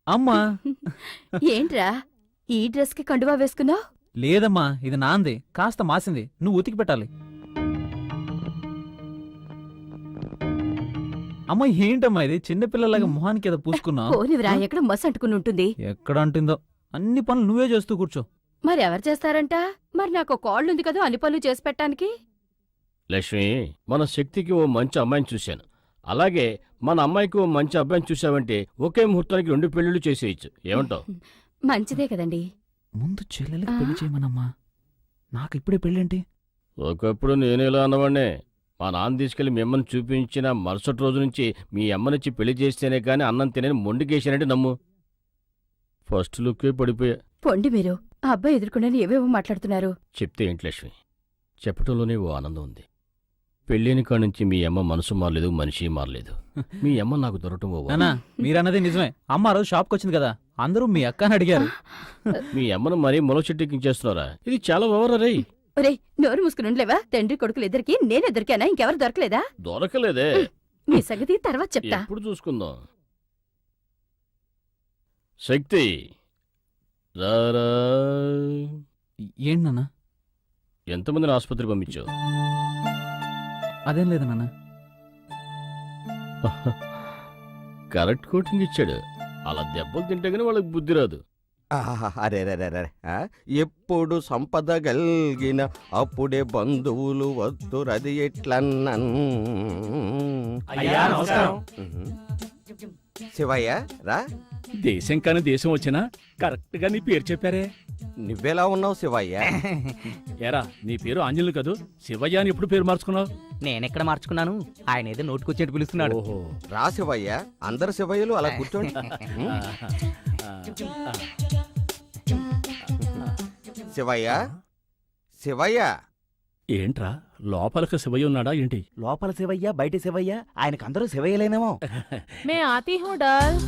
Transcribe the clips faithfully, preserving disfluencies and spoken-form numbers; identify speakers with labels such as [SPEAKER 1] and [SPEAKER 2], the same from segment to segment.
[SPEAKER 1] అమ్మా.
[SPEAKER 2] ఏంట్రా ఈ డ్రెస్ కి కండువా వేసుకున్నావు?
[SPEAKER 1] లేదమ్మా, ఇది నాంది, కాస్త మాసింది, నువ్వు ఉతికి పెట్టాలి. అమ్మా ఏంటమ్మా ఇది, చిన్నపిల్లలాగా మొహానికి ఏదో పూసుకున్నావు.
[SPEAKER 2] పోనివిరా, ఎక్కడ మస్ అంటుకుని ఉంటుంది.
[SPEAKER 1] ఎక్కడ అంటుందో, అన్ని పనులు నువ్వే చేస్తూ కూర్చో.
[SPEAKER 2] మరి ఎవరు చేస్తారంట? మరి నాకు కాళ్ళుంది కదా అన్ని పనులు చేసి పెట్టడానికి.
[SPEAKER 3] లక్ష్మి, మన శక్తికి ఓ మంచి అమ్మాయిని చూశాను. అలాగే మన అమ్మాయికి ఓ మంచి అబ్బాయిని చూసావంటే ఒకే ముహూర్తానికి రెండు పెళ్లిళ్ళు చేసేయచ్చు. ఏమంటావు?
[SPEAKER 2] మంచిదే కదండి.
[SPEAKER 1] ముందు చెల్లెలకి పెళ్లి చేయమనమ్మా, నాకు ఇప్పుడే పెళ్ళేంటి?
[SPEAKER 3] ఒకప్పుడు నేనేలా అన్నవాడినే. మా నాన్న తీసుకెళ్లి మిమ్మల్ని చూపించిన మరుసటి రోజు నుంచి మీ అమ్మనిచ్చి పెళ్లి చేస్తేనే కానీ అన్నం తినని మొండికేసానంటే నమ్ము. ఫస్ట్ లుక్కే పడిపోయా.
[SPEAKER 2] పొండి మీరు, ఆ అబ్బాయి ఎదుర్కొండని ఏవేవో మాట్లాడుతున్నారు.
[SPEAKER 3] చెప్తే ఏంటి లక్ష్మి, చెప్పటంలోనే ఓ ఆనందం ఉంది. పెళ్ళైన కాడి నుంచి మీ అమ్మ మనసు మారలేదు, మనిషి మారలేదు. మీ అమ్మ నాకు దొరకటం ఓ
[SPEAKER 1] నానా, మీరన్నది నిజమే. అమ్మ రోజు షాప్కి వచ్చింది కదా, అందరూ మీ అక్క అని అడిగారు.
[SPEAKER 3] మీ అమ్మను మరీ మొల చెట్టెక్కించేస్తున్నారా? ఇది చాలా ఓవరా.
[SPEAKER 2] ఒరే, నోరు మూసుకుని ఉండలేవా? తండ్రి కొడుకులు ఇద్దరికి నేను దొరికానా? ఇంకెవరు దొరకలేదా?
[SPEAKER 3] దొరకలేదే.
[SPEAKER 2] మీ సంగతి తర్వాత చెప్తా.
[SPEAKER 3] ఎప్పుడు చూసుకుందాం. శక్తి రారా.
[SPEAKER 1] ఏంటి నాన్న?
[SPEAKER 3] ఎంతమందిని ఆసుపత్రి పంపించావు?
[SPEAKER 1] అదేం లేదు నాన్న.
[SPEAKER 3] కరెక్ట్ కోటింగ్ ఇచ్చాడు. అలా దెబ్బలు తింటే గానీ వాళ్ళకి బుద్ధి రాదు.
[SPEAKER 4] అరే రే ఎప్పుడు సంపద గల్గిన అప్పుడే బంధువులు వద్దురది ఎట్లన్నన్. శివయ్య రా.
[SPEAKER 5] దేశం కాని దేశం వచ్చినా కరెక్ట్ గా నీ పేరు చెప్పారే.
[SPEAKER 4] నువ్వెలా ఉన్నావు శివయ్య?
[SPEAKER 5] ఏరా, నీ పేరు ఆంజనేయులు కదూ, శివయ్య అని ఎప్పుడు పేరు మార్చుకున్నావు?
[SPEAKER 6] నేనెక్కడ మార్చుకున్నాను, ఆయన ఏదో నోటుకొచ్చేట్టు పిలుస్తున్నాడు.
[SPEAKER 5] ఓహో,
[SPEAKER 4] రా శివయ్య, అందరు శివయ్యలు అలా కూర్చోండి. శివయ్య శివయ్య.
[SPEAKER 5] ఏంట్రా లోపలికి శివయ్య ఉన్నాడా ఏంటి?
[SPEAKER 6] లోపల శివయ్య బయట శివయ్య, ఆయనకు అందరూ శివయ్యలేనేమో.
[SPEAKER 7] మే ఆతీ హూ డాల్.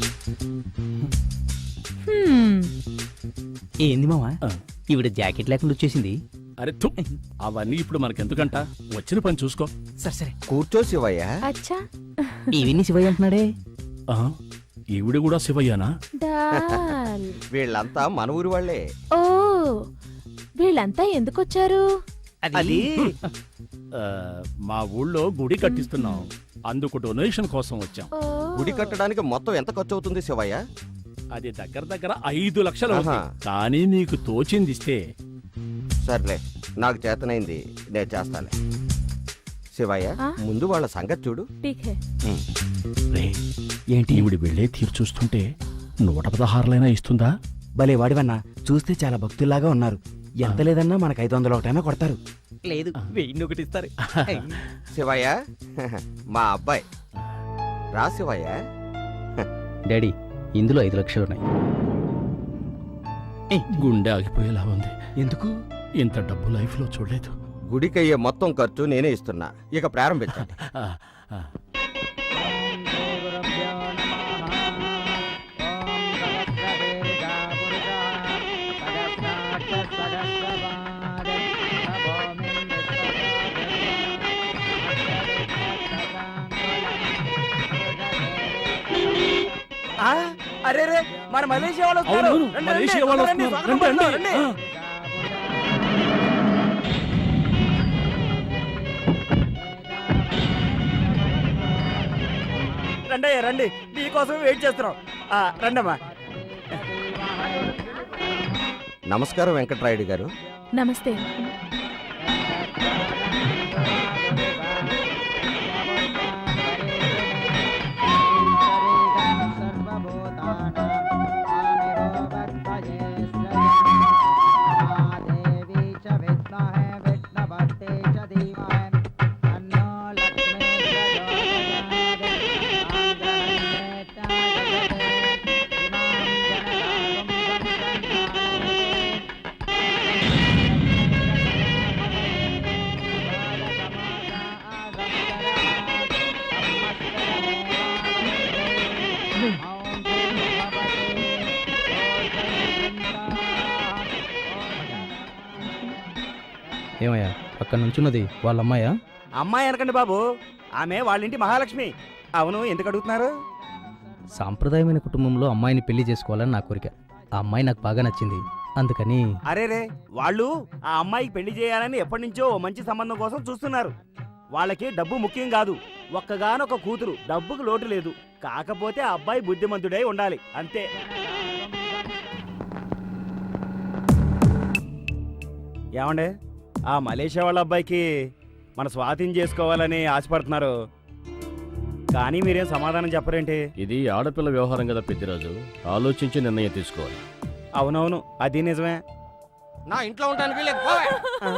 [SPEAKER 6] ఏంది మావా, ఈవిడ జాకెట్ లేకుండా వచ్చేసింది.
[SPEAKER 5] అరే థు, అవన్నీ ఇప్పుడు మనకెందుకంట, వచ్చిన పని చూసుకో.
[SPEAKER 6] సరే సరే
[SPEAKER 4] కూర్చో శివయ్య.
[SPEAKER 7] అచ్చా,
[SPEAKER 6] ఈవిని శివయ్య అంటున్నాడే.
[SPEAKER 5] ఆ, ఈవిడ కూడా శివయ్యనా?
[SPEAKER 7] డాల్.
[SPEAKER 4] వీళ్ళంతా మన ఊరి వాళ్లే.
[SPEAKER 7] ఓ, వీళ్ళంతా ఎందుకొచ్చారు?
[SPEAKER 6] అది
[SPEAKER 5] ఆ, మా ఊళ్ళో గుడి కట్టిస్తున్నాం, అందుకు డొనేషన్ కోసం వచ్చాం.
[SPEAKER 7] ఓ,
[SPEAKER 4] గుడి కట్టడానికి మొత్తం ఎంత ఖర్చు అవుతుంది శివయ్య?
[SPEAKER 5] అది దగ్గర దగ్గర ఐదు లక్షలు
[SPEAKER 4] ఆహా.
[SPEAKER 5] అవుతుంది. కానీ నీకు తోచిందిస్తే.
[SPEAKER 4] సర్లే, నాకు చేతనైంది నేను చేస్తాలే. శివయ్య,
[SPEAKER 7] ఆ?
[SPEAKER 4] ముందు వాళ్ళ సంగతి చూడు.
[SPEAKER 7] ఠీక్ హై.
[SPEAKER 5] రే, ఏంటి ఈవిడి వెళ్ళే తీరు చూస్తుంటే నూట పదహారులైనా ఇస్తుందా?
[SPEAKER 6] భలే వాడివన్నా, చూస్తే చాలా భక్తుల్లాగా ఉన్నారు. ఎంత లేదన్నా మనకు ఐదు వందల ఒకటైనా కొడతారు. లేదు, వెయ్యి ఒకటి ఇస్తారు.
[SPEAKER 4] శివయ్య, మా అబ్బాయి. రా శివయ్య.
[SPEAKER 6] డాడీ, ఇందులో ఐదు లక్షలున్నాయి.
[SPEAKER 5] గుండె ఆగిపోయేలా ఉంది.
[SPEAKER 6] ఎందుకు?
[SPEAKER 5] ఇంత డబ్బు లైఫ్ లో చూడలేదు.
[SPEAKER 4] గుడికయ్యే మొత్తం ఖర్చు నేనే ఇస్తున్నా, ఇక ప్రారంభించండి.
[SPEAKER 5] ఆ, ఆ.
[SPEAKER 6] అరే రే, మన మలేషియా వాళ్ళు వస్తున్నారు.
[SPEAKER 5] అవునవును,
[SPEAKER 6] రండి,
[SPEAKER 5] మలేషియా
[SPEAKER 6] రండి,
[SPEAKER 5] వాళ్ళు
[SPEAKER 6] రండి,
[SPEAKER 5] వస్తున్నారు.
[SPEAKER 6] స్వాగతం
[SPEAKER 5] రండి,
[SPEAKER 6] పలుకుతారు,
[SPEAKER 5] రండి.
[SPEAKER 6] రండి.
[SPEAKER 5] ఆ.
[SPEAKER 6] రండి రండి, మీకోసం వెయిట్ చేస్తున్నాం. ఆ, రండమ్మా.
[SPEAKER 4] నమస్కారం వెంకట్రాయుడు గారు.
[SPEAKER 7] నమస్తే.
[SPEAKER 1] ఏమయ్యా, అక్కడ నుంచున్నది వాళ్ళ అమ్మాయా?
[SPEAKER 6] అమ్మాయి అనకండి బాబు, ఆమె వాళ్ళ ఇంటి మహాలక్ష్మి. అవును, ఎందుకు అడుగుతున్నారు?
[SPEAKER 8] సాంప్రదాయమైన కుటుంబంలో అమ్మాయిని పెళ్లి చేసుకోవాలని నా కోరిక. ఆ అమ్మాయి నాకు బాగా నచ్చింది, అందుకని.
[SPEAKER 6] అరే రే వాళ్ళు ఆ అమ్మాయికి పెళ్లి చేయాలని ఎప్పటి నుంచో ఓ మంచి సంబంధం కోసం చూస్తున్నారు. వాళ్ళకి డబ్బు ముఖ్యం కాదు, ఒక్కగానొక కూతురు, డబ్బుకు లోటు లేదు. కాకపోతే ఆ అబ్బాయి బుద్ధిమంతుడై ఉండాలి అంతే. ఏమండే, ఆ మలేషియా వాళ్ళ అబ్బాయికి మన స్వాధీనం చేసుకోవాలని ఆశపడుతున్నారు, కానీ మీరేం సమాధానం చెప్పరేంటి?
[SPEAKER 3] ఇది ఆడపిల్ల వ్యవహారం కదా పెద్దిరాజు, ఆలోచించి నిర్ణయం తీసుకోవాలి.
[SPEAKER 6] అవునవును, అది నిజమే.
[SPEAKER 4] నా ఇంట్లో ఉంటానికి వీలేదు, పోవే.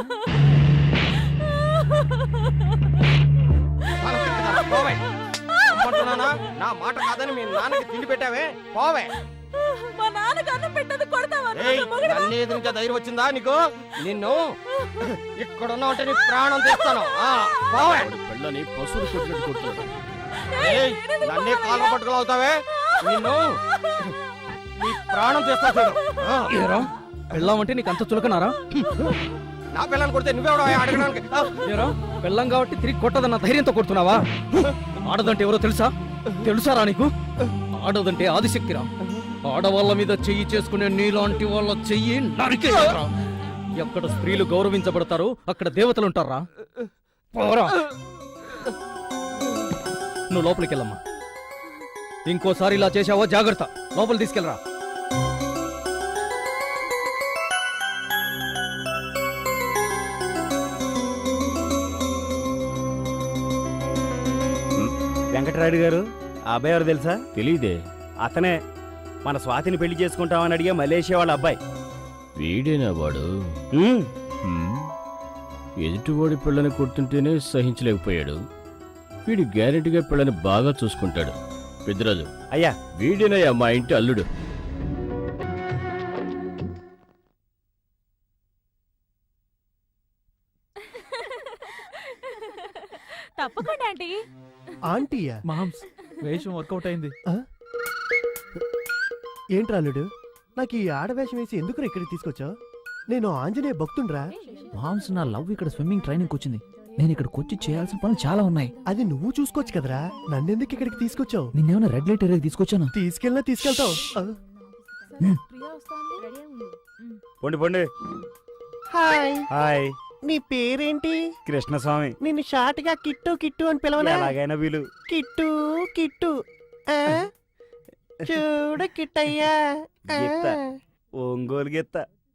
[SPEAKER 4] మనం తిరుగుతారా? పోవే. అమ్మంటున్నానా? నా మాట కాదని మీ నాన్నకి తిండి పెట్టావే, పోవే.
[SPEAKER 7] మా నాన్నకు అన్నం పెట్టదు కొడతావా?
[SPEAKER 4] ఏయ్, నన్ను ఎదిరించే ధైర్యం వచ్చిందా నీకు? నిన్ను ఇక్కడున్నా ఉంటే నీ ప్రాణం తీస్తాను. ఆ, పోవే.
[SPEAKER 3] వాడి పిల్లని పశువులు కొట్టినట్టు కొడుతున్నాడు.
[SPEAKER 4] ఏయ్, నన్నే కాళ్ళ పట్టుకులు అవుతావే, నిన్ను నీ ప్రాణం తీస్తా చూడు. ఆ,
[SPEAKER 8] ఏరా పెళ్ళామంటే నీకు అంత చులకనారా?
[SPEAKER 4] నా పిల్లని కొడితే నువ్వెవడో అడగడానికి? ఆ,
[SPEAKER 8] ఏరా పెళ్ళం కాబట్టి తిరిగి కొట్టదన్న ధైర్యంతో కొడుతున్నావా? ఆడదంటే ఎవరో తెలుసా? తెలుసారా నీకు? ఆడదంటే ఆదిశక్తిరా. ఆడవాళ్ళ మీద చెయ్యి చేసుకునే నీలాంటి వాళ్ళ చెయ్యి నరికేయరా. ఎక్కడ స్త్రీలు గౌరవించబడతారో అక్కడ దేవతలు ఉంటారా? పోరా, నువ్వు లోపలికి వెళ్ళమ్మా. ఇంకోసారి ఇలా చేశావో జాగ్రత్త, లోపల తీసుకెళ్ళరా.
[SPEAKER 6] వెంకటరాయుడు గారు, ఆ అబ్బాయి ఎవరు తెలుసా?
[SPEAKER 3] తెలీదే.
[SPEAKER 6] అతనే మన స్వాతిని పెళ్లి చేసుకుంటామని అడిగే మలేషియా వాళ్ళ అబ్బాయి.
[SPEAKER 3] వీడేనా వాడు?
[SPEAKER 6] ఉమ్,
[SPEAKER 3] హ్మ్. ఎదుటివాడి పిల్లని కొడుతుంటేనే సహించలేకపోయాడు. వీడు గ్యారెంటీగా పిల్లని బాగా చూసుకుంటాడు. పెద్దరాజు,
[SPEAKER 6] అయ్యా
[SPEAKER 3] వీడేనయ్యా మా ఇంటి అల్లుడు.
[SPEAKER 7] తప్పకుండా ఆంటీ.
[SPEAKER 9] ఆంటీయా?
[SPEAKER 1] మామ్స్ వేషం వర్కౌట్ అయింది.
[SPEAKER 9] ఏంట్రాలుడు, నాకు ఈ ఆడవేషం వేసి ఎందుకు ఇక్కడికి తీసుకొచ్చావు? నేను ఆంజనేయ భక్తుండ్రా.
[SPEAKER 1] మామ్స్, నా లవ్ ఇక్కడ స్విమ్మింగ్ ట్రైనింగ్ వచ్చింది. నేను ఇక్కడికి వచ్చి చేయాల్సిన పనులు చాలా ఉన్నాయి.
[SPEAKER 9] అది నువ్వు చూసుకోవచ్చు కదరా, నన్నెందుకు ఇక్కడికి తీసుకొచ్చావు?
[SPEAKER 1] నిన్నేమైనా రెడ్ లైట్ ఏరియాకి తీసుకొచ్చాను.
[SPEAKER 9] తీసుకెళ్ళినా తీసుకెళ్తావు. ఆ.
[SPEAKER 6] పొండి పొండి.
[SPEAKER 9] హాయ్,
[SPEAKER 6] హాయ్,
[SPEAKER 9] నీ పేరేంటి?
[SPEAKER 6] కృష్ణస్వామి.
[SPEAKER 9] నిన్ను షార్ట్ గా కిట్టు కిట్టు అని పిలవనా?
[SPEAKER 6] ఎలాగైనా వీలు.
[SPEAKER 9] కిట్టు కిట్టు. ఆ? చూడు కిట్టయ్యా. ఆ.
[SPEAKER 6] గిత్త. ఒంగోలు గిత్త.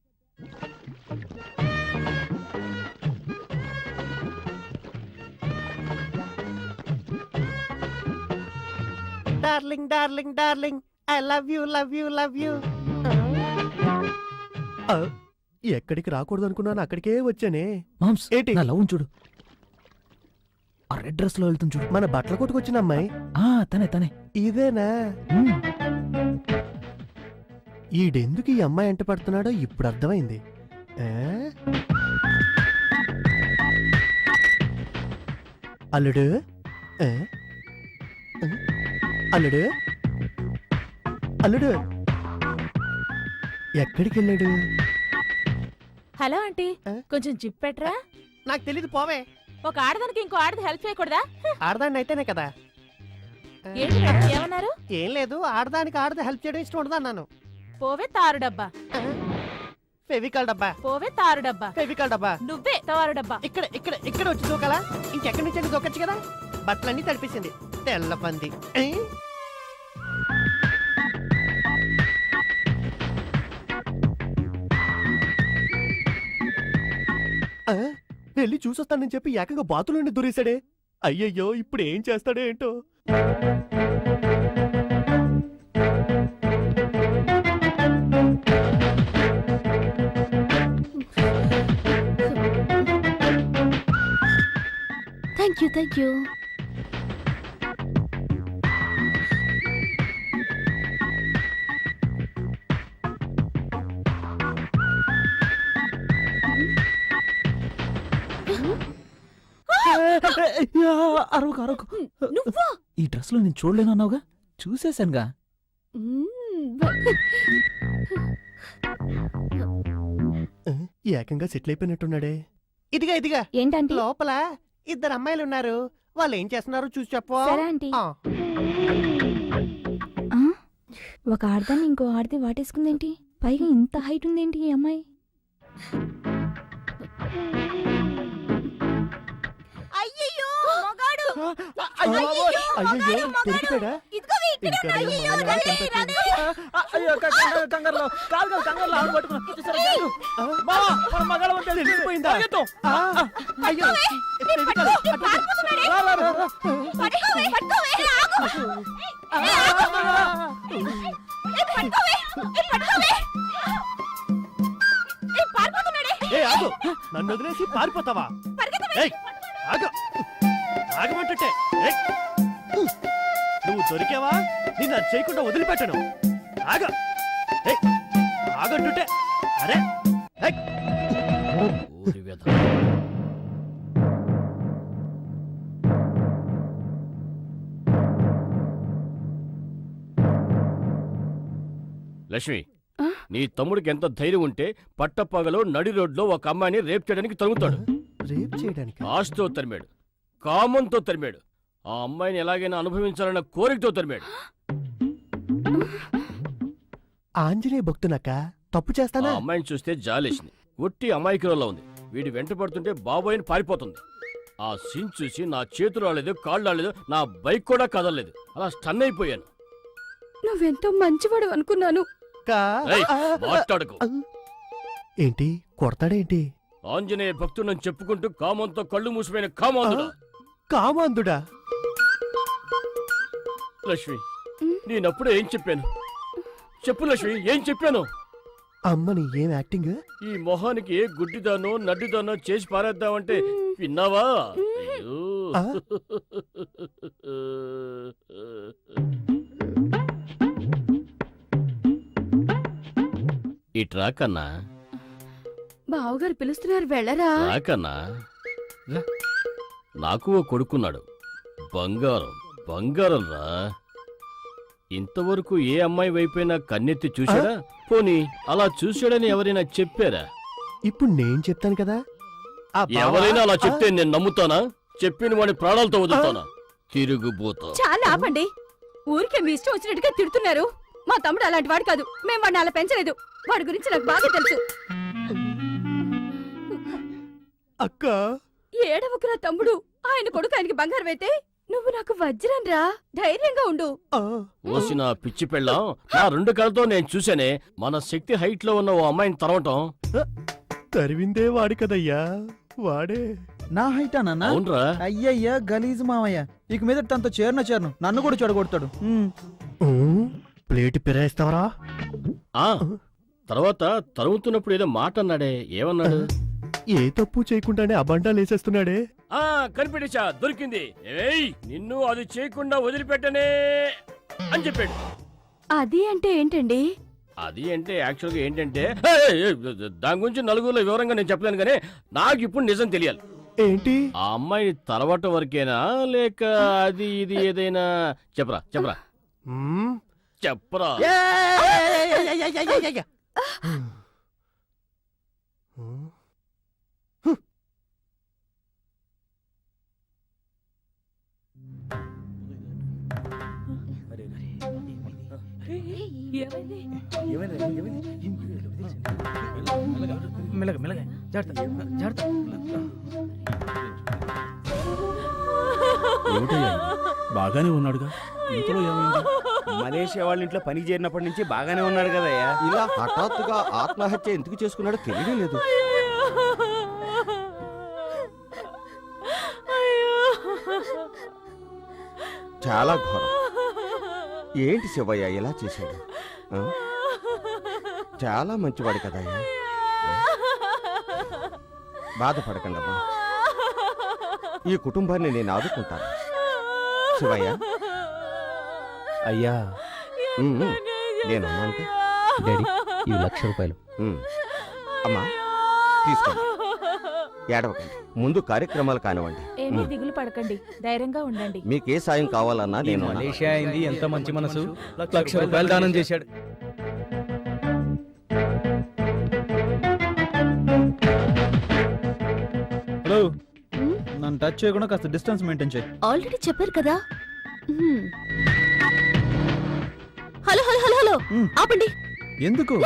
[SPEAKER 9] Darling darling darling, I love you love you love you. ఎక్కడికి రాకూడదు అనుకున్నాను, అక్కడికే వచ్చానే.
[SPEAKER 1] మామ్స్,
[SPEAKER 9] ఏంటి?
[SPEAKER 1] నా లవ్ చూడు, ఆ రెడ్ డ్రెస్ లో వెళ్తుంది చూడు.
[SPEAKER 9] మన బట్టల కొట్టుకొచ్చిన అమ్మాయి
[SPEAKER 1] ఆ తనే తనే.
[SPEAKER 9] ఇదేనా?
[SPEAKER 1] మ్మ్.
[SPEAKER 9] ఈడెందుకు ఈ అమ్మాయి ఎంట పడుతున్నాడో ఇప్పుడు అర్థమైంది. ఆ? అల్లుడు, ఆ? ఆ? అల్లుడు, అల్లుడు ఎక్కడికి వెళ్ళాడు?
[SPEAKER 7] హలో ఆంటీ,
[SPEAKER 9] ఆ?
[SPEAKER 7] కొంచెం జిప్ పెట్టరా.
[SPEAKER 9] నాకు తెలీదు, పోవే.
[SPEAKER 7] ఒక ఆడదానికి ఇంకో ఆడది హెల్ప్ చేయకూడదా?
[SPEAKER 9] ఆడదాన్ని అయితేనే కదా. ఆ?
[SPEAKER 7] ఏంటి మేడం, ఏమన్నారు?
[SPEAKER 9] ఏం లేదు, ఆడదానికి ఆడది హెల్ప్ చేయడం ఇష్టం ఉండదు అన్నాను.
[SPEAKER 7] పోవే తారు డబ్బా.
[SPEAKER 9] ఆ? ఫెవికాల్ డబ్బా,
[SPEAKER 7] పోవే తారు డబ్బా.
[SPEAKER 9] ఫెవికాల్ డబ్బా.
[SPEAKER 7] నువ్వే తారు డబ్బా.
[SPEAKER 9] ఇక్కడ ఇక్కడ ఇక్కడ వచ్చి దూకలా? ఇంకెక్కడి నుంచి దూకొచ్చు కదా. బట్టలన్నీ తడిపేసింది, తెల్ల పంది. ఏ? ఆ? వెళ్ళి చూసొస్తానని చెప్పి ఏకంగా బాతులోని దూరేశాడే. అయ్యయ్యో, ఇప్పుడు ఏం చేస్తాడో ఏంటో.
[SPEAKER 2] Thank you thank you.
[SPEAKER 1] అరవకు అరవకు.
[SPEAKER 2] నువ్వా?
[SPEAKER 1] ఈ డ్రెస్ లో నేను చూడలేను అన్నావుగా, చూసేశానుగా.
[SPEAKER 9] ఆ? ఏకంగా సెటిల్ అయిపోయినట్టున్నాడే. ఇదిగా ఇదిగా
[SPEAKER 2] ఏంటంటే
[SPEAKER 9] లోపల ఇద్దరు అమ్మాయిలు ఉన్నారు, వాళ్ళు ఏం చేస్తున్నారో చూసి చెప్పు.
[SPEAKER 2] సరే ఆంటీ.
[SPEAKER 9] ఆ.
[SPEAKER 10] ఒక ఆడదాన్ని ఇంకో ఆడది వాటేసుకుందేంటి? పైగా ఇంత హైట్ ఉందేంటి ఈ అమ్మాయి?
[SPEAKER 2] అయ్యయ్యో మగాడు
[SPEAKER 9] అయ్యో దొరికిపోయాడా? ఇంకా నేను మనల్ని కనిపెట్టలేదు.
[SPEAKER 8] కంగారులో కాలు కంగారులో ఆడు పట్టుకున్నా మావా మన మగాళ్ళ వంట
[SPEAKER 9] తెలిసిపోయిందా?
[SPEAKER 8] పరిగెత్తు.
[SPEAKER 9] ఆ, అయ్యో ఇది కాదు.
[SPEAKER 8] రా, రా, రా, రా.
[SPEAKER 9] ఏ ఆగు, నన్ను వదిలేసి పారిపోతావా? ఏయ్, ఆగు, ఆగమంటుంటే. ఏయ్, నువ్వు దొరికావా? నిన్ను అది చేయకుండా వదిలిపెట్టను. ఆగ, ఏయ్, ఆగంటుంటే. అరే ఏయ్.
[SPEAKER 3] ఊరి వెధ. లక్ష్మి,
[SPEAKER 2] ఆ?
[SPEAKER 3] నీ తమ్ముడికి ఎంత ధైర్యం ఉంటే పట్టపగలో నడి రోడ్లో ఒక అమ్మాయిని రేప్ చేయడానికి తరుగుతాడు.
[SPEAKER 9] రేప్ చేయడానికి
[SPEAKER 3] ఆశతో తరిమాడు, కామంతో తరిమాడు, ఆ అమ్మాయిని ఎలాగైనా అనుభవించాలన్న కోరికతో తరిమాడు.
[SPEAKER 9] ఆంజనేయ భక్తునక్క తప్పు
[SPEAKER 3] ఆ
[SPEAKER 9] చేస్తానా?
[SPEAKER 3] అమ్మాయిని చూస్తే జాలేసింది. ఒట్టి అమాయకురాల్లో ఉంది. వీడి వెంట పడుతుంటే బాబోయని పారిపోతుంది. ఆ సీన్ చూసి నా చేతులు రాలేదు, కాళ్ళు రాలేదు, నా బైక్ కూడా కదలలేదు. అలా స్టన్ అయిపోయాను.
[SPEAKER 2] నువ్వెంతో మంచివాడు అనుకున్నాను.
[SPEAKER 9] కా-
[SPEAKER 3] ఏయ్,
[SPEAKER 9] ఆ,
[SPEAKER 3] మాట్లాడకు.
[SPEAKER 9] ఏంటి కొడతాడేంటి?
[SPEAKER 3] ఆంజనేయ భక్తుడని చెప్పుకుంటూ కామంతో కళ్ళు మూసిపోయిన కామాంధుడా.
[SPEAKER 9] కామాంధుడా?
[SPEAKER 3] లక్ష్మి, నేనప్పుడే ఏం చెప్పాను? చెప్పు లక్ష్మి, ఏం చెప్పాను?
[SPEAKER 9] అమ్మని ఏం యాక్టింగ్?
[SPEAKER 3] ఈ మొహానికి ఏ గుడ్డిదానో నడ్డిదానో చేసి పారేద్దామంటే విన్నావా? అయ్యో.
[SPEAKER 9] ఆ?
[SPEAKER 3] ఇట్రా కన్నా,
[SPEAKER 2] బావగారు పిలుస్తున్నారు, వెళ్ళరా?
[SPEAKER 3] రాకన్నా. రా. నాకు ఓ కొడుకున్నాడు. బంగారం బంగారం రా. ఇంతవరకు ఏ అమ్మాయి వైపైనా కన్నెత్తి చూశాడా? పోనీ అలా చూశాడని ఎవరైనా చెప్పారా?
[SPEAKER 9] ఇప్పుడు నేను చెప్తాను కదా. ఆ బావ-
[SPEAKER 3] ఎవరైనా అలా చెప్తే
[SPEAKER 9] ఆ,
[SPEAKER 3] నేను నమ్ముతానా? చెప్పిన వాడి ప్రాణాలతో వదులుతానా? తిరుగుబోతా.
[SPEAKER 2] చాలా ఆపండి. ఊరికే మీ ఇష్టం వచ్చినట్టుగా తిడుతున్నారు. మా తమ్ముడు అలాంటి వాడు కాదు. మేము వాడిని అలా పెంచలేదు. వాడి గురించి నాకు బాగా తెలుసు.
[SPEAKER 9] అక్క
[SPEAKER 2] ఏడవకురా తమ్ముడు. ఆయన కొడుకు ఆయనకి బంగారం అయితే నువ్వు నాకు వజ్రం రా. ధైర్యంగా ఉండు.
[SPEAKER 9] ఆ,
[SPEAKER 3] ఓసిన పిచ్చి పెళ్ళాం, నా రెండు కళ్ళతో నేను చూశానే మన శక్తి హైట్ లో ఉన్న ఓ అమ్మాయిని తరవటం.
[SPEAKER 9] తరివిందే వాడి కదయ్యా, వాడే.
[SPEAKER 1] నా హైటా నాన్న?
[SPEAKER 3] అవునరా?
[SPEAKER 1] అయ్యయ్యా గలీజ్ మావయ్య, ఇక మీద తనతో చేరన చేరను, నన్ను కూడా చెడగొడతాడు. ఉమ్.
[SPEAKER 9] ఊ, ప్లేట్ పిరాయిస్తావరా?
[SPEAKER 3] ఆ తర్వాత తరుముతున్నప్పుడు ఏదో మాట అన్నాడే, ఏమన్నాడు?
[SPEAKER 9] ఏ తప్పు చేయకుండానే అబండాలు వేసేస్తున్నాడే.
[SPEAKER 3] ఆ కనిపెట్టేశా, దొరికింది. ఏయ్, నిన్ను అది చేయకుండా వదిలిపెట్టనే అని చెప్పాడు.
[SPEAKER 2] అది అంటే ఏంటండి?
[SPEAKER 3] అది అంటే యాక్చువల్గా ఏంటంటే, ఏయ్, ఏయ్, దాని గురించి నలుగురిలో వివరంగా నేను చెప్పలేను, కానీ నాకు ఇప్పుడు నిజం తెలియాలి.
[SPEAKER 9] ఏంటి?
[SPEAKER 3] ఆ అమ్మాయిని తరవటం వరకేనా, లేక అది ఇది ఏదైనా చెప్పరా చెప్పరా
[SPEAKER 9] మ్మ్.
[SPEAKER 3] చెప్పరా.
[SPEAKER 9] మ్మ్.
[SPEAKER 8] మెల్లగా మెల్లగా జాగ్రత్త జాగ్రత్త.
[SPEAKER 5] ఏమిటయ్యా ఇది? బాగానే ఉన్నాడుగా, ఇంతలో ఏమైంది?
[SPEAKER 6] మలేషియా వాళ్ళ ఇంట్లో పనికి చేరినప్పటి నుంచి బాగానే ఉన్నాడు కదయ్యా.
[SPEAKER 4] ఇలా హఠాత్తుగా ఆత్మహత్య ఎందుకు చేసుకున్నాడో తెలియడం లేదు. చాలా ఘోరం. ఏంటి శివయ్య ఇలా చేశాడు? ఆ? చాలా మంచివాడు కదయ్యా. బాధపడకండి అమ్మా, ఈ కుటుంబాన్ని నేను ఆదుకుంటాను. శివయ్య
[SPEAKER 1] అయ్యా
[SPEAKER 4] ఉమ్, ఉమ్, నేనున్నాను.
[SPEAKER 1] డాడీ, ఇవి లక్ష రూపాయలు.
[SPEAKER 4] ఉమ్. అమ్మా తీసుకోండి, ఏడవకండి. ముందు కార్యక్రమాలు కానివ్వండి.
[SPEAKER 7] ఏమీ
[SPEAKER 4] ఉమ్.
[SPEAKER 7] దిగులు పడకండి, ధైర్యంగా ఉండండి.
[SPEAKER 4] మీకే సాయం కావాలన్నా
[SPEAKER 8] ఈ
[SPEAKER 4] నేను ఉన్నాను.
[SPEAKER 8] మలేషియా అయింది, ఎంత మంచి మనసు. లక్ష రూపాయలు దానం చేశాడు.
[SPEAKER 1] హలో, నన్ను టచ్ చేయకుండా కాస్త డిస్టెన్స్ మెయింటైన్ చేయి.
[SPEAKER 2] ఆల్రెడీ చెప్పారు కదా. Hmm. Hello hello hello hello hello
[SPEAKER 1] um.
[SPEAKER 2] ఆపండి.
[SPEAKER 1] ఎందుకు?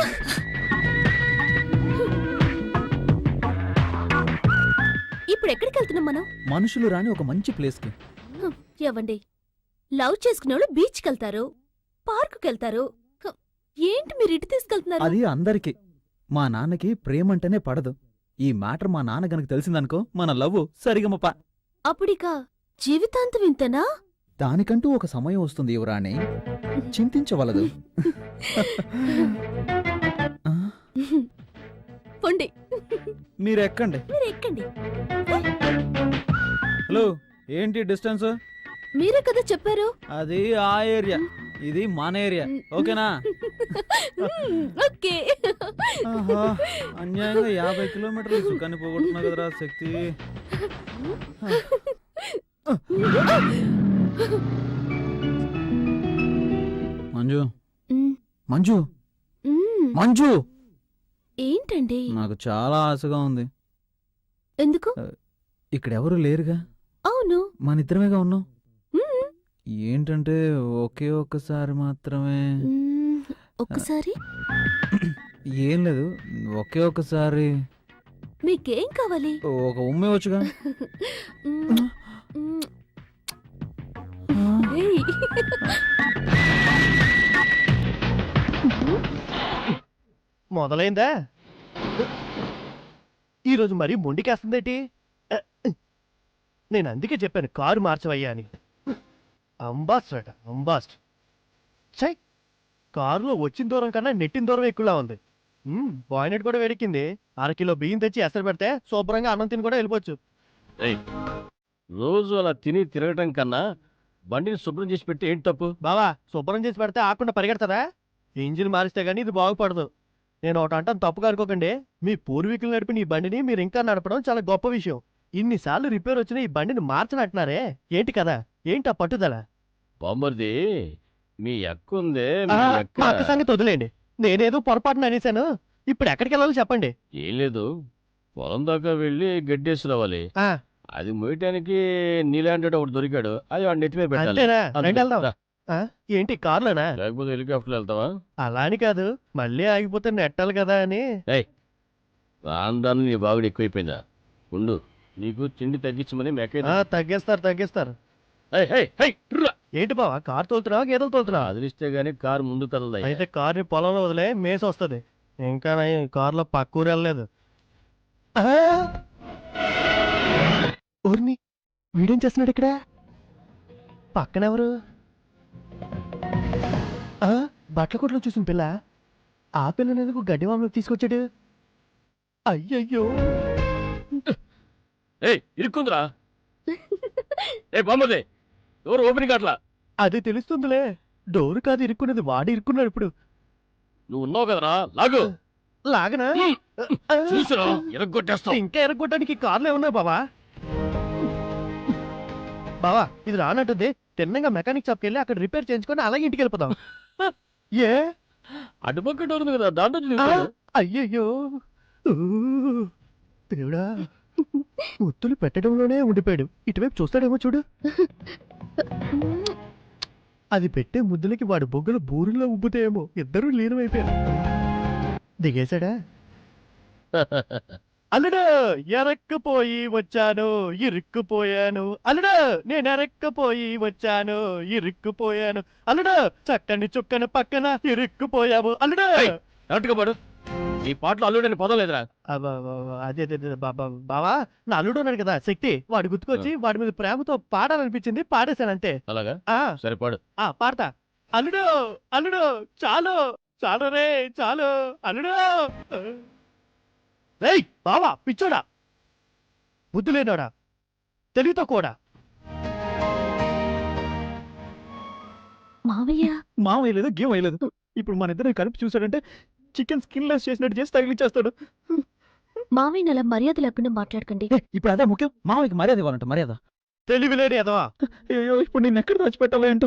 [SPEAKER 2] ఇప్పుడు ఎక్కడికి వెళ్తున్నాం మనం?
[SPEAKER 1] మనుషులు రాని ఒక మంచి ప్లేస్ కి.
[SPEAKER 2] హ్మ్, ఏవండి, లవ్ చేసుకునే వాళ్ళు బీచ్కి వెళ్తారు, పార్కుకి వెళ్తారు. హ్మ్, ఏంటి మీరు ఇటు తీసుకెళ్తున్నారు?
[SPEAKER 1] అది అందరికి. మా నాన్నకి ప్రేమంటేనే పడదు. ఈ మ్యాటర్ మా నాన్న గనక తెలిసిందనుకో మన లవ్ సరిగమప.
[SPEAKER 2] అప్పుడిక జీవితాంతం ఇంతనా?
[SPEAKER 1] దానికంటూ ఒక సమయం వస్తుంది యువరాణి, చింతించవలదు. ఆ,
[SPEAKER 2] పొండి,
[SPEAKER 1] మీరు ఎక్కండి.
[SPEAKER 2] మీరు ఎక్కండి.
[SPEAKER 1] హలో, ఏంటి డిస్టెన్స్?
[SPEAKER 2] మీరే కదా చెప్పారు.
[SPEAKER 1] అది ఆ ఏరియా, ఇది మన ఏరియా. ఓకేనా?
[SPEAKER 2] Hmm, okay.
[SPEAKER 1] ఆహా, అన్యాయంగా యాభై కిలోమీటర్లు సుఖాన్ని పోగొట్టున్నా కదరా శక్తి. మంజు,
[SPEAKER 2] మ్మ్,
[SPEAKER 1] మంజు,
[SPEAKER 2] మ్మ్.
[SPEAKER 1] మంజు,
[SPEAKER 2] ఏంటండి?
[SPEAKER 1] నాకు చాలా ఆశగా ఉంది.
[SPEAKER 2] ఎందుకు?
[SPEAKER 1] ఇక్కడెవరు లేరుగా,
[SPEAKER 2] అవును.
[SPEAKER 1] మన ఇద్దరమేగా ఉన్నాం.
[SPEAKER 2] మ్మ్,
[SPEAKER 1] ఏంటంటే ఒకే ఒక్కసారి మాత్రమే.
[SPEAKER 2] మ్మ్, ఒక్కసారి.
[SPEAKER 1] ఏం లేదు, ఒకే ఒక్కసారి
[SPEAKER 2] మీకేం కావాలి?
[SPEAKER 1] ఒక ఉమ్మే వచ్చుగా.
[SPEAKER 2] మ్మ్, మ్మ్. ఏయ్.
[SPEAKER 9] మొదలైందా? ఈరోజు మరీ మొండికేస్తుందేటి? నేను అందుకే చెప్పాను కారు మార్చవయ్యా అని. అంబాస్ట్ అట, అంబాస్ట్. చై, కారులో వచ్చిన దూరం కన్నా నెట్టిన దూరం ఎక్కువలా ఉంది. బాయినెట్ కూడా వేడెక్కింది. అరకిలో బియ్యం తెచ్చి ఎసరు పెడితే శుభ్రంగా అన్నం తిని కూడా వెళ్ళిపోవచ్చు.
[SPEAKER 3] రోజు అలా తిని తిరగటం కన్నా బండిని శుభ్రం చేసి పెట్టి ఏంటి తప్పు?
[SPEAKER 9] బావా, శుభ్రం చేసి పెడితే ఆకుండా పరిగెడతారా? ఇంజిన్ మారిస్తే గానీ ఇది బాగుపడదు. నేను ఒకటి అంటాను, తప్పుగా అనుకోకండి. మీ పూర్వీకులు నడిపిన ఈ బండిని మీరు ఇంకా నడపడం చాలా గొప్ప విషయం. ఇన్నిసార్లు రిపేర్ వచ్చిన ఈ బండిని మార్చనంటున్నారే, ఏంటి కదా? ఏంటి ఆ పట్టుదల?
[SPEAKER 3] బామ్మర్ది, మీ అక్క ఉందే,
[SPEAKER 9] ఆ,
[SPEAKER 3] మీ అక్క
[SPEAKER 9] మా అక్క సంగతి వదిలేండి. నేనేదో పొరపాటున అనేశాను. ఇప్పుడు ఎక్కడికి వెళ్ళాలో చెప్పండి.
[SPEAKER 3] ఏం లేదు, పొలం దాకా వెళ్ళి గడ్డేసి రావాలి.
[SPEAKER 9] ఆ,
[SPEAKER 3] అది మోయటానికి నీలాంటి ఒకటి దొరికాడు, అది వాడి నెత్తి మీద పెట్టాలి.
[SPEAKER 9] అంతేనా?
[SPEAKER 3] అంతే.
[SPEAKER 9] రండి వెళ్దాం.
[SPEAKER 3] రా.
[SPEAKER 9] ఆ, ఏంటి కార్లోనా?
[SPEAKER 3] లేకపోతే హెలికాప్టర్ వెళ్తావా?
[SPEAKER 9] అలా అని కాదు, మళ్ళీ ఆగిపోతే నెట్టాలి కదా అని.
[SPEAKER 3] రాను నీ బాగుడు ఎక్కువైపోయిందా? ఉండు, నీకు తిండి తగ్గించమని మెక్క
[SPEAKER 9] ఆ, తగ్గిస్తారు తగ్గిస్తారు. ఏంటి బావా, కారు తోలుతున్నావా గేదెలు తోలుతున్నావా?
[SPEAKER 3] అదిలిస్తే గానీ కారు ముందు కదలదా.
[SPEAKER 9] అయితే కార్ని పొలంలో వదిలే మేసి వస్తుంది. ఇంకా నయం, కారులో పక్క ఊరు వెళ్ళలేదు. ఆ! ఊరిని వీడేం చేస్తున్నాడు ఇక్కడ? పక్కనెవరు? ఆ, బట్టల కొట్లో చూసిన పిల్ల. ఆ పిల్లని ఎందుకు గడ్డి మామూలు తీసుకొచ్చాడు? అయ్యయ్యో,
[SPEAKER 3] ఏయ్, ఇరుక్కుందిరా. ఏ బామ్మదే, ఎవరు ఓపెనింగ్ అట్లా?
[SPEAKER 9] అది తెలుస్తుందిలే. డోరు కాదు ఇరుక్కున్నది, వాడు ఇరుక్కున్నాడు ఇప్పుడు.
[SPEAKER 3] నువ్వు ఉన్నావు కదరా, లాగు.
[SPEAKER 9] లాగనా?
[SPEAKER 3] చూసురా, ఎరగొట్టేస్తావు.
[SPEAKER 9] ఇంకా ఎరగొట్టడానికి కార్లు ఏమన్నాయి బావా? బావా, ఇది రానట్టుంది. తిన్నంగా మెకానిక్ షాప్కి వెళ్ళి అక్కడ రిపేర్ చేయించుకొని అలాగే ఇంటికి వెళ్ళిపోదాం. ఏ?
[SPEAKER 3] అటుపక్క డోర్ ఉంది కదా, దాంట్లో
[SPEAKER 9] ఆ,
[SPEAKER 3] చూస్తాడు.
[SPEAKER 9] అయ్యయ్యో, ఊ, దేవుడా, ముత్తులు పెట్టడంలోనే ఉండిపోయాడు. ఇటువైపు చూస్తాడేమో చూడు. అది పెట్టే ముద్దులకి వాడి బొగ్గలు బూరులో ఉబ్బుతాయేమో. ఇద్దరూ లీనమైపోయారు. దిగేశాడా? అల్లుడు, ఎరక్కపోయి వచ్చాను, ఇరుక్కుపోయాను. అల్లుడు, నేను ఎరక్కపోయి వచ్చాను, ఇరుక్కుపోయాను. అల్లుడు, చక్కని చుక్కని పక్కన ఇరుక్కుపోయావు. అల్లుడు,
[SPEAKER 3] కరెక్ట్గా పాడు. ఈ పాటలో అల్లుడని పదం లేదురా.
[SPEAKER 9] అబ్బబ్బబ్బ, అదే అదే అదే, బాబా బావా, నా అల్లుడు ఉన్నాడు కదా శక్తి, వాడు గుర్తుకొచ్చి వాడి మీద ప్రేమతో పాడాలనిపించింది, పాడేశాను అంతే.
[SPEAKER 3] అలాగా,
[SPEAKER 9] ఆ,
[SPEAKER 3] సరే పాడు.
[SPEAKER 9] ఆ, పాడతా. అల్లుడు, అల్లుడు, చాలు చాలు రే, చాలు అల్లుడు. రేయ్ బావా, పిచ్చోడా, బుద్ధి లేనోడా, తెలివితో కూడా.
[SPEAKER 10] మావయ్య,
[SPEAKER 1] మామ వేయలేదు, గేమ్ వేయలేదు. ఇప్పుడు మన ఇద్దరు కలిపి చూసాడంటే చికెన్ స్కిన్ లెస్ చేసినట్టు చేసి తగిలిచ్చేస్తాడు.
[SPEAKER 10] మావయ్యని అలా మర్యాద లేకుండా మాట్లాడకండి.
[SPEAKER 1] ఏ, ఇప్పుడు అదే ముఖ్యం. మామయ్యకి మర్యాద ఇవ్వాలంట, మర్యాద.
[SPEAKER 9] తెలివిలేని ఎదవా.
[SPEAKER 1] అయ్యో, ఇప్పుడు నేను ఎక్కడ దాచిపెట్టాలో ఏంటో.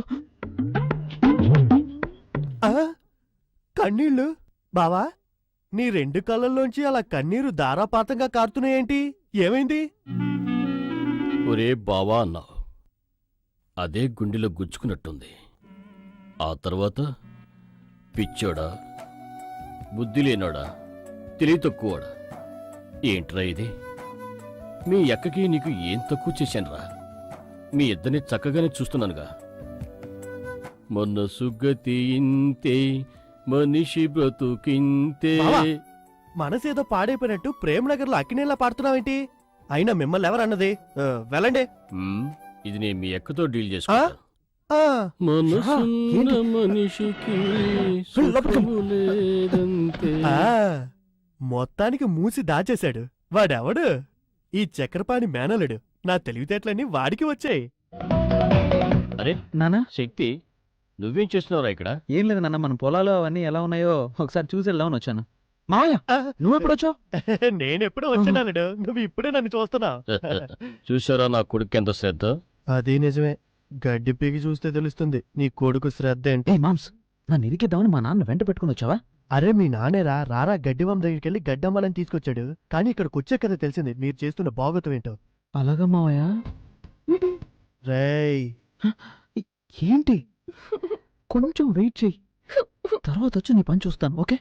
[SPEAKER 9] కన్నీళ్ళు బావా, నీ రెండు కళ్ళల్లోంచి అలా కన్నీరు ధారాపాతంగా కారుతున్నాయేంటి? ఏమైంది?
[SPEAKER 3] ఒరే బావా అన్నావు, అదే గుండెలో గుచ్చుకున్నట్టుంది. ఆ తర్వాత పిచ్చోడా బుద్ధి లేనోడా తెలివి తక్కువడా ఏంట్రా ఇది మీ అక్కకి నీకు ఏం తక్కువ చేశానురా మీ ఇద్దరిని చక్కగానే చూస్తున్నానుగా మొన్న సుగతి ఇంతే మనిషి బ్రతుకింతే
[SPEAKER 9] బావా! మనసేదో పాడైపోయినట్టు ప్రేమ్ నగర్ లో అక్కినేలా పాడుతున్నావేంటి? అయినా మిమ్మల్ని ఎవరన్నది? ఆ, వెళ్ళండి.
[SPEAKER 3] హ్మ్, ఇది నేను మీ అక్కతో డీల్ చేసుకుంటా
[SPEAKER 9] ఆ,
[SPEAKER 3] మనసున్న మనిషికి సుఖము లేదంతే.
[SPEAKER 9] ఆ, మొత్తానికి మూసి దాచేశాడు. వాడెవడు? ఈ చక్రపాణి మేనలుడు. నా తెలివితేటలన్నీ వాడికి వచ్చాయి.
[SPEAKER 3] అరే
[SPEAKER 1] నానా
[SPEAKER 3] శక్తి నువ్వేం చేస్తున్నావురా ఇక్కడ?
[SPEAKER 1] ఏం లేదు నాన్న, మన పొలాలు అవన్నీ ఎలా ఉన్నాయో ఒకసారి చూసి వెళ్దామని వచ్చాను. మావయ్య
[SPEAKER 9] ఆ,
[SPEAKER 1] నువ్వెప్పుడు వచ్చావు?
[SPEAKER 9] నేనెప్పుడో వచ్చానలుడు, నువ్వు ఇప్పుడే నన్ను చూస్తున్నావు.
[SPEAKER 3] చూసారా నా కొడుకు ఎంత శ్రద్ధ?
[SPEAKER 9] అది నిజమే. గడ్డి పీకి చూస్తే తెలుస్తుంది నీ కొడుకు శ్రద్ధ ఏంటి.
[SPEAKER 1] ఏ మామ్స్, నన్ను ఇరికిద్దామని మా నాన్న వెంట పెట్టుకుని వచ్చావా?
[SPEAKER 9] అరే మీ నానేరా రారా గడ్డివాం దగ్గరికి వెళ్ళి గడ్డమ్మాలని తీసుకొచ్చాడు. కానీ ఇక్కడికి వచ్చే కదా తెలిసింది మీరు చేస్తున్న బాగోతం ఏంటో.
[SPEAKER 1] అలాగా మావయ్య?
[SPEAKER 9] రేయ్
[SPEAKER 1] ఏంటి? కొంచెం వెయిట్ చెయ్యి, తర్వాత వచ్చి నీ పని చూస్తాను. ఓకే?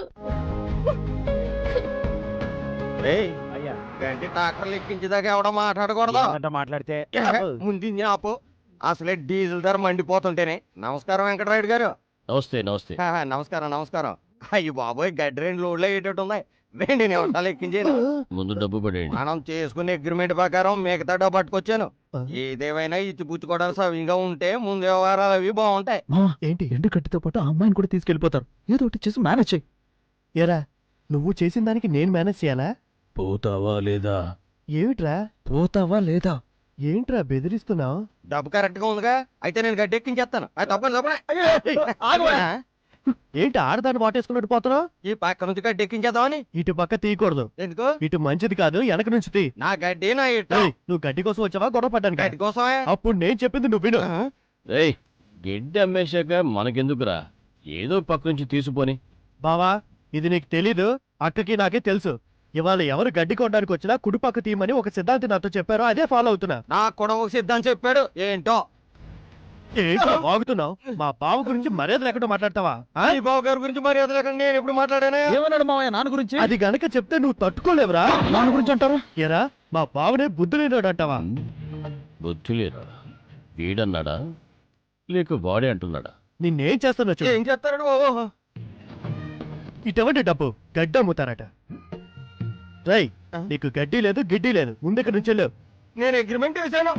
[SPEAKER 4] రేయ్,
[SPEAKER 6] అయ్యా
[SPEAKER 4] గంటి ట్రాక్టర్లు ఎక్కించేదాకా ఎవడో మాట్లాడకూడదు.
[SPEAKER 6] ఏంటంట మాట్లాడితే
[SPEAKER 4] ముందు ఇంజిన్ ఆపు. అసలే డీజిల్ ధర మండిపోతుంటేనే. నమస్కారం వెంకటరాయుడు గారు.
[SPEAKER 3] నమస్తే నమస్తే.
[SPEAKER 4] హా, హా, నమస్కారం నమస్కారం. అయ్యి బాబోయ్, గడ్డి రెండు లోడ్లు అయ్యేటట్టు ఉన్నాయి. వెండి నిమిషాలు ఎక్కించాను.
[SPEAKER 3] ముందు డబ్బు పడేయండి.
[SPEAKER 4] మనం చేసుకునే అగ్రిమెంట్ ప్రకారం మిగతా డబ్బు పట్టుకొచ్చాను.
[SPEAKER 9] ఆ.
[SPEAKER 4] ఏదేమైనా ఇచ్చి పుచ్చుకోవడానికి సవ్యంగా ఉంటే ముందు వ్యవహారాలు అవి బాగుంటాయి.
[SPEAKER 1] మావా,
[SPEAKER 9] ఏంటి?
[SPEAKER 1] ఎండు కట్టితో పాటు ఆ అమ్మాయిని కూడా తీసుకెళ్లిపోతారు. ఏదో ఒకటి చేసి మేనేజ్ చెయ్యి.
[SPEAKER 9] ఎరా నువ్వు చేసిన దానికి నేను మేనేజ్ చేయాలా?
[SPEAKER 5] పోతావా లేదా?
[SPEAKER 9] ఏమిట్రా
[SPEAKER 1] పోతావా లేదా?
[SPEAKER 9] ఏంట్రా బెదిరిస్తున్నావు?
[SPEAKER 4] డబ్బు కరెక్ట్ గా ఉందిగా, అయితే నేను గడ్డి ఎక్కించేస్తాను. అది తప్పని
[SPEAKER 9] ఆగవా? ఏంటి ఆడదాన్ని వాటేసుకున్నట్టు పోతున్నావు?
[SPEAKER 4] ఈ పక్క నుంచి గడ్డి ఎక్కించేద్దామని.
[SPEAKER 9] ఇటు పక్క తీయకూడదు.
[SPEAKER 4] ఎందుకు?
[SPEAKER 9] ఇటు మంచిది కాదు, వెనక నుంచి తీ.
[SPEAKER 4] నా గడ్డి నా ఇట్ట.
[SPEAKER 9] ఏయ్, నువ్వు గడ్డి కోసం వచ్చావా గొడవ పడ్డానికి?
[SPEAKER 4] గడ్డి కోసమే.
[SPEAKER 9] అప్పుడు నేను చెప్పింది నువ్వు విను.
[SPEAKER 3] ఏయ్, గడ్డి అమ్మేశాక మనకెందుకురా, ఏదో పక్క నుంచి తీసుకుపోని.
[SPEAKER 9] బావా, ఇది నీకు తెలీదు, అక్కకి నాకే తెలుసు. ఇవాళ ఎవరు గడ్డి కొనడానికి వచ్చినా కుడిపక్క తీయమని ఒక సిద్ధాంతి నాతో చెప్పారో అదే ఫాలో అవుతున్నా.
[SPEAKER 4] నా కూడా ఒక సిద్ధాంతం చెప్పాడు. ఏంటో
[SPEAKER 9] ఏంటో వాగుతున్నావు? మా బావ గురించి మర్యాద లేకుండా మాట్లాడతావా? ఆ?
[SPEAKER 4] ఈ బాబు గారి గురించి మర్యాద లేకుండా నేను ఎప్పుడు మాట్లాడానే?
[SPEAKER 1] ఏమన్నాడు మావయ్య నాన్న గురించి?
[SPEAKER 9] అది గనక చెప్తే నువ్వు తట్టుకోలేవురా.
[SPEAKER 1] నాన్న గురించి అంటారు?
[SPEAKER 9] ఎరా మా బావనే బుద్ధి లేనాడు అంటావా?
[SPEAKER 3] బుద్ధి లేరా? వీడన్నాడా లేక వాడే అంటున్నాడా?
[SPEAKER 9] నిన్నేం చేస్తున్నా చూడు.
[SPEAKER 4] ఏం చేస్తాడు బాబు?
[SPEAKER 9] ఇటువంటి డబ్బు గడ్డి అమ్ముతారట. రై, నీకు గడ్డి లేదు గిడ్డి లేదు, ముందుకు నుంచి వెళ్ళు.
[SPEAKER 4] నేను అగ్రిమెంట్ వేసాను.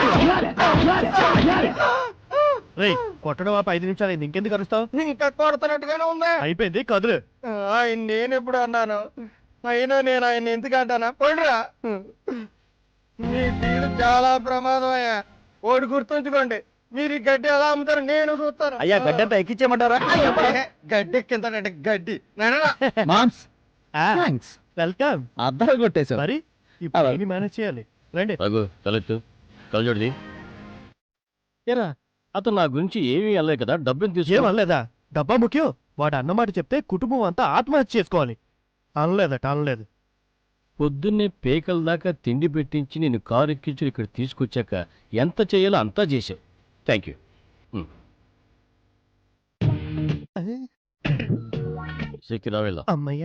[SPEAKER 9] రై, కొట్టడం ఆపి ఐదు నిమిషాలు అయింది, ఇంకెందుకు అరుస్తావు?
[SPEAKER 4] ఇంకా కొడుతున్నట్టుగానే ఉంది.
[SPEAKER 9] అయిపోయింది, కదులు.
[SPEAKER 4] ఆయన నేను ఎప్పుడు అన్నాను? అయినా నేను ఆయన ఎందుకు అంటానా? పండురా, మీ తీరు చాలా ప్రమాదం అయ్యా. ఓడి గుర్తుంచుకోండి, మీరు ఈ గడ్డి ఎలా అమ్ముతారు నేను చూస్తాను.
[SPEAKER 6] అయ్యా గడ్డి అంతా ఎక్కించేయమంటారా?
[SPEAKER 4] గడ్డి ఎక్కింతాడంటే గడ్డి నాయనా.
[SPEAKER 1] మామ్స్,
[SPEAKER 9] ఆ,
[SPEAKER 1] థాంక్స్.
[SPEAKER 9] వెల్కమ్.
[SPEAKER 1] అద్దాలు కొట్టేశావు.
[SPEAKER 9] మరి ఇప్పుడు ఏమి మేనేజ్ చేయాలి? రండి.
[SPEAKER 3] రఘు తలెత్తు, కలజోడిది. ఏరా, అతను నా గురించి ఏమీ అనలే కదా, డబ్బుని తీసుకో.
[SPEAKER 9] ఏమనలేదా? డబ్బా ముఖ్యం. వాడు అన్నమాట చెప్తే కుటుంబం అంతా ఆత్మహత్య చేసుకోవాలి. అనలేదట, అనలేదు.
[SPEAKER 3] పొద్దున్నే పేకల దాకా తిండి పెట్టించి నేను కారు ఎక్కించి ఇక్కడ తీసుకొచ్చాక ఎంత చేయాలో అంతా చేసావు. Thank you. శక్తి రా వెళ్దాం.
[SPEAKER 9] అమ్మయ్య.